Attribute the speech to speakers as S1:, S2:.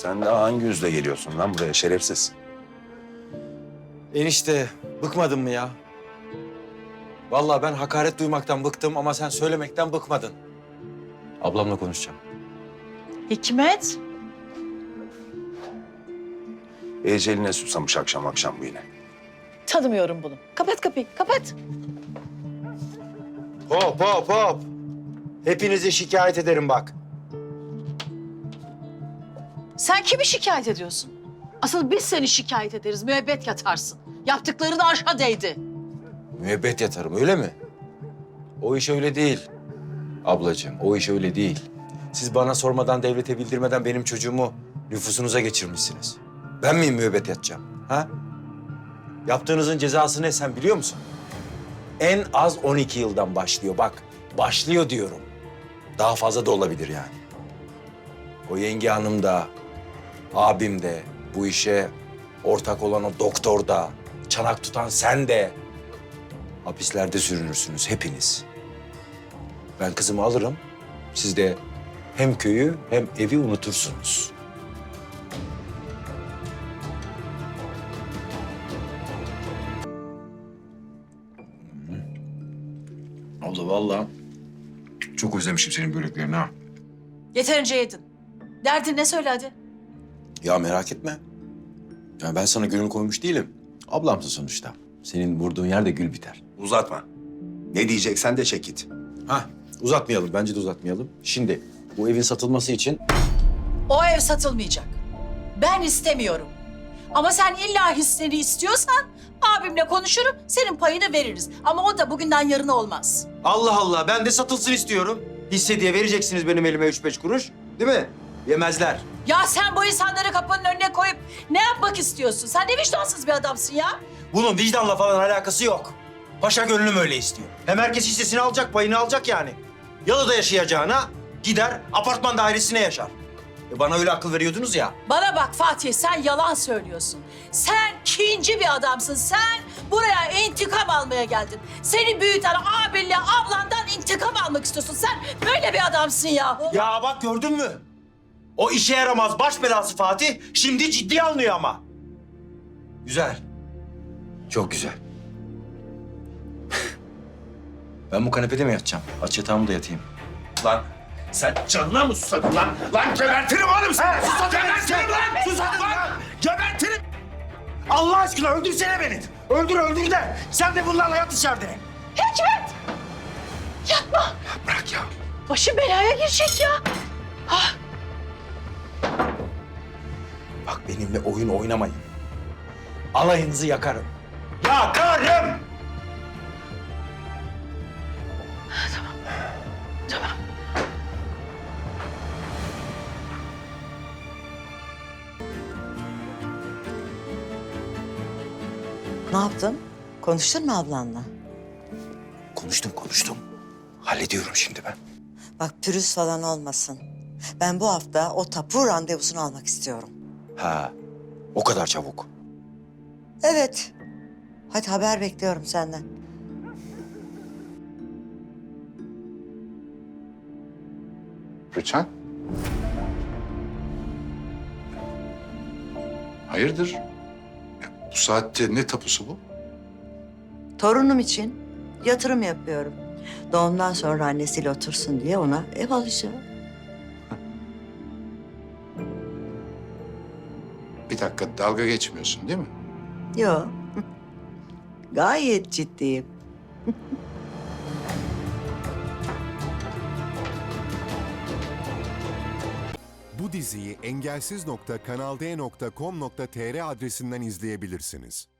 S1: Sen de hangi yüzle geliyorsun lan buraya şerefsiz?
S2: Enişte bıkmadın mı ya? Vallahi ben hakaret duymaktan bıktım ama sen söylemekten bıkmadın. Ablamla konuşacağım.
S3: Hikmet.
S1: Eceline susamış akşam akşam bu yine.
S3: Tanımıyorum bunu. Kapat kapıyı, kapat.
S2: Hop hop hop. Hepinizi şikayet ederim bak.
S3: Sen kimi şikayet ediyorsun? Asıl biz seni şikayet ederiz, müebbet yatarsın. Yaptıkların arşa değdi.
S2: Müebbet yatarım öyle mi? O iş öyle değil. Ablacığım o iş öyle değil. Siz bana sormadan devlete bildirmeden benim çocuğumu nüfusunuza geçirmişsiniz. Ben miyim müebbet yatacağım? Ha? Yaptığınızın cezası ne sen biliyor musun? En az 12 yıldan başlıyor bak. Başlıyor diyorum. Daha fazla da olabilir yani. O yenge hanım da, abim de, bu işe ortak olan o doktor da, çanak tutan sen de hapislerde sürünürsünüz hepiniz. Ben kızımı alırım, siz de hem köyü hem evi unutursunuz. Abla vallahi çok özlemişim senin böreklerini ha.
S3: Yeterince yedin. Derdin ne söyle hadi.
S2: Ya merak etme. Ya ben sana gülünü koymuş değilim. Ablamsın sonuçta. Senin vurduğun yerde gül biter.
S1: Uzatma. Ne diyeceksen de çek git.
S2: Ha, uzatmayalım. Bence de uzatmayalım. Şimdi bu evin satılması için
S3: O ev satılmayacak. Ben istemiyorum. Ama sen illa hisseni istiyorsan abimle konuşurum, senin payını veririz. Ama o da bugünden yarına olmaz.
S2: Allah Allah ben de satılsın istiyorum. Hisse diye vereceksiniz benim elime 3-5 kuruş. Değil mi? Yemezler.
S3: Ya sen bu insanları kapının önüne koyup ne yapmak istiyorsun? Sen ne vicdansız bir adamsın ya.
S2: Bunun vicdanla falan alakası yok. Paşa gönlüm öyle istiyor. Hem herkes hissesini alacak, payını alacak yani. Yalıda yaşayacağına gider apartman dairesine yaşar. Bana öyle akıl veriyordunuz ya.
S3: Bana bak Fatih, sen yalan söylüyorsun. Sen kinci bir adamsın. Sen buraya intikam almaya geldin. Seni büyüten abinle ablandan intikam almak istiyorsun. Sen böyle bir adamsın yahu.
S2: Ya bak gördün mü? O işe yaramaz baş belası Fatih şimdi ciddiye alınıyor ama. Güzel. Çok güzel. Ben bu kanepede mi yatacağım? Aç yatağımı da yatayım.
S1: Lan sen canına mı susadın lan? Lan gebertirim oğlum seni! Gebertirim lan! Susadın lan! Gebertirim!
S2: Allah aşkına öldürsene beni. Öldür de sen de bunlarla yat içeride.
S3: Hikmet! Yapma!
S1: Bırak ya.
S3: Başım belaya girecek ya.
S2: Bak benimle oyun oynamayın. Alayınızı yakarım. Yakarım!
S3: Tamam.
S4: Ne yaptın? Konuştun mu ablanla?
S2: Konuştum. Hallediyorum şimdi ben.
S4: Bak pürüz falan olmasın. Ben bu hafta o tapu randevusunu almak istiyorum.
S2: Ha, o kadar çabuk.
S4: Evet. Hadi haber bekliyorum senden.
S5: Rüçhan? Hayırdır? Ya, bu saatte ne tapusu bu?
S4: Torunum için yatırım yapıyorum. Doğumdan sonra annesiyle otursun diye ona ev alacağım.
S5: Bir dakika dalga geçmiyorsun değil mi?
S4: Yok. Gayet ciddiyim.
S6: Bu diziyi engelsiz.kanalde.com.tr adresinden izleyebilirsiniz.